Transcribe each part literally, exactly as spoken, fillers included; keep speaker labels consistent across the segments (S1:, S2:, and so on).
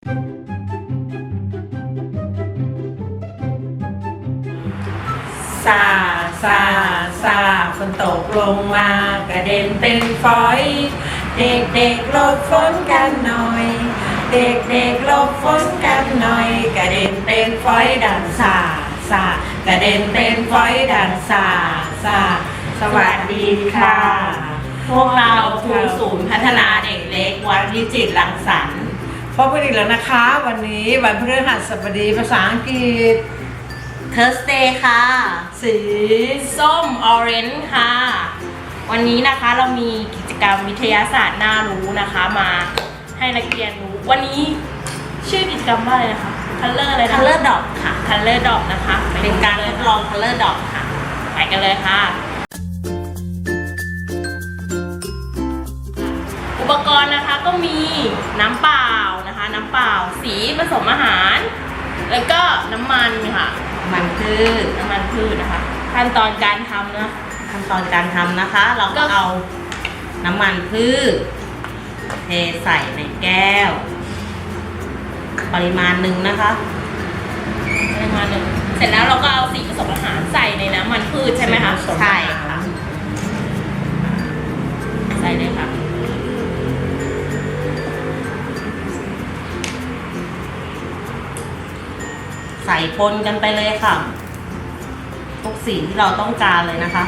S1: ซาซาซาฝนตกลงมากระเด็นเป็นฝอย เด็กเด็กหลบฝนกันหน่อย เด็กเด็กหลบฝนกันหน่อยกระเด็นเป็นฝอยดังซาซากระเด็นเป็นฝอยดังซาซาสวัสดีค่ะ
S2: พวกเราครูศูนย์พัฒนาเด็กเล็กวัดวิจิตรรังสรรค์
S1: พบกันอีกแล้วนะคะวันนี้วันพฤหัสบดีภาษาอังกฤษ
S2: Thursday ค่ะ
S1: สี
S2: ส้ม Orange ค่ะ วันนี้นะคะเรามีกิจกรรมวิทยาศาสตร์น่ารู้นะคะมาให้นักเรียนรู้วันนี้ชื่อกิจกรรมว่าอะไรนะคะ Color อะไรนะ
S3: Color Dot ค่ะ
S2: Color Dot นะคะ
S3: เป็นการทดลอง Color Dot ค่ะ
S2: ไปกันเลยค่ะ อุปกรณ์นะคะก็มีน้ำเปล่านะคะน้ำเปล่าสีผสมอาหารแล้วก็น้ำมันค่ะ
S3: มันพืช
S2: น้ำมันพืชนะคะขั้นตอนการทำนะ
S3: ขั้นตอนการทำนะคะ เราก็เอาน้ำมันพืชเทใส่ในแก้ว ปริมาณหนึ่งนะคะ
S2: ประมาณหนึ่งเสร็จแล้วเราก็เอาสีผสมอาหารใส่ในน้ำมันพืชใช่ไหมคะ
S3: ใช่ค่ะ
S2: ใส่เลยค่ะ
S3: ใส่ปนกันไปเลยค่ะ ทุกสีที่เราต้องการเลยนะคะ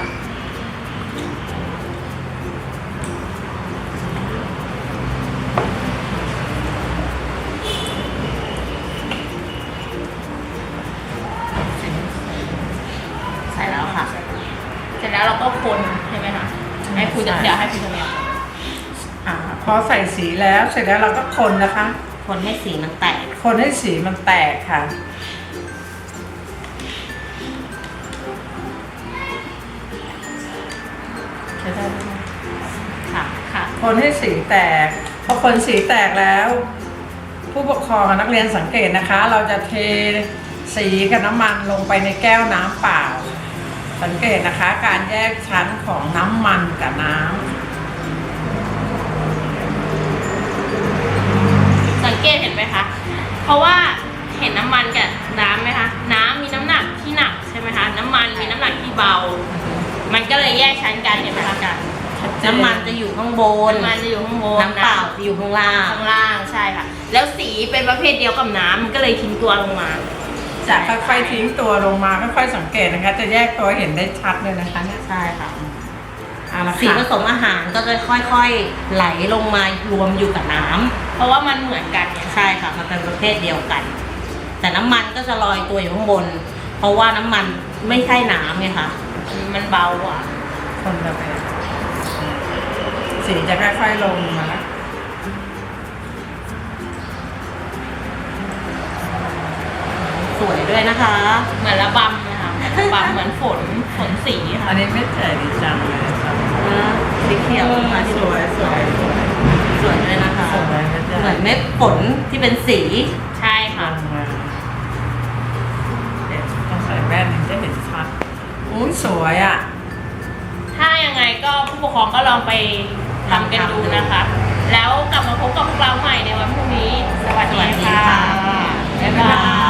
S3: ใส่แล้วค่ะ
S2: เสร็จแล้วเราก็คนใช่ไหมคะให้คุณจะเดี๋ยวให้คุณจะแม่
S1: อ่าพอใส่สีแล้วเสร็จแล้วเราก็คนนะคะ
S3: คนให้สีมันแตก
S1: คนให้สีมันแตกค่ะใช้ได้ไหม
S3: ค่ะ
S2: ค่ะ
S1: คนให้สีแตกพอคนสีแตกแล้ว ผู้ปกครองกับนักเรียนสังเกตนะคะ เราจะเทสีกับน้ำมันลงไปในแก้วน้ำเปล่า สังเกตนะคะ การแยกชั้นของน้ำมันกับน้ำ
S2: สังเกตเห็นไหมคะ เพราะว่าเห็นน้ำมันกับน้ำไหมคะ น้ำมีน้ำหนักที่หนักใช่ไหมคะ น้ำมันมีน้ำหนักที่เบา มันก็เลยแยกชั้นกันเห็นไหมคะกัน
S3: น้ำมันจะอยู่ข้างบน
S2: น้ำมันจะอยู่ข้างบน
S3: น้ำเปล่าจะอยู่ข้างล่าง
S2: ข้างล่างใช่ค่ะ แล้วสีเป็นประเภทเดียวกับน้ำมันก็เลยทิ้งตัวลงมา
S1: จะค่อยๆทิ้งตัวลงมาค่อยๆสังเกตนะคะ จะแยกตัวเห็นได้ชัดเลยนะคะเนี่ย
S3: ใช่ค่ะ
S1: เอาละ
S3: สีผ
S1: ค่ะ
S3: สมอาหารก็จะค่อยๆไหลลงมารวมอยู่กับน้ำ
S2: เพราะว่ามันเหมือนกันไง
S3: ใช่ค่ะมันเป็นประเภทเดียวกัน แต่น้ำมันก็จะลอยตัวอยู่ข้างบน เพราะว่าน้ำมันไม่ใช่น้ำไงคะ
S2: มันเบากว่า
S1: คนละแบบสีจะค่อยๆลงมาแล้ว
S3: สวยด้วยนะคะ
S2: เหมือนระบำนะคะเหมือนระบำเหมือนฝนฝนสีค่ะ
S1: อันนี้ไม่เจ๋ดีจังเลยครับ
S3: สีเขียวมาที่
S1: สวยสวยสวย
S3: สวยด้วยนะคะ
S1: สวยนะจ๊ะ
S3: เหมือนเม็ดฝนที่เป็นสี
S2: ใช่ค่ะ
S1: ลงมาเดี๋ยวต้องใส่แว่นถึงจะเห็นชัดอุ้ยสวยอ่ะ
S2: ถ้ายังไงก็ผู้ปกครองก็ลองไปทำกันดูนะคะ แล้วกลับมาพบกับพวกเราใหม่ในวันพรุ่งนี้ สวัสดีค่ะ บ๊ายบาย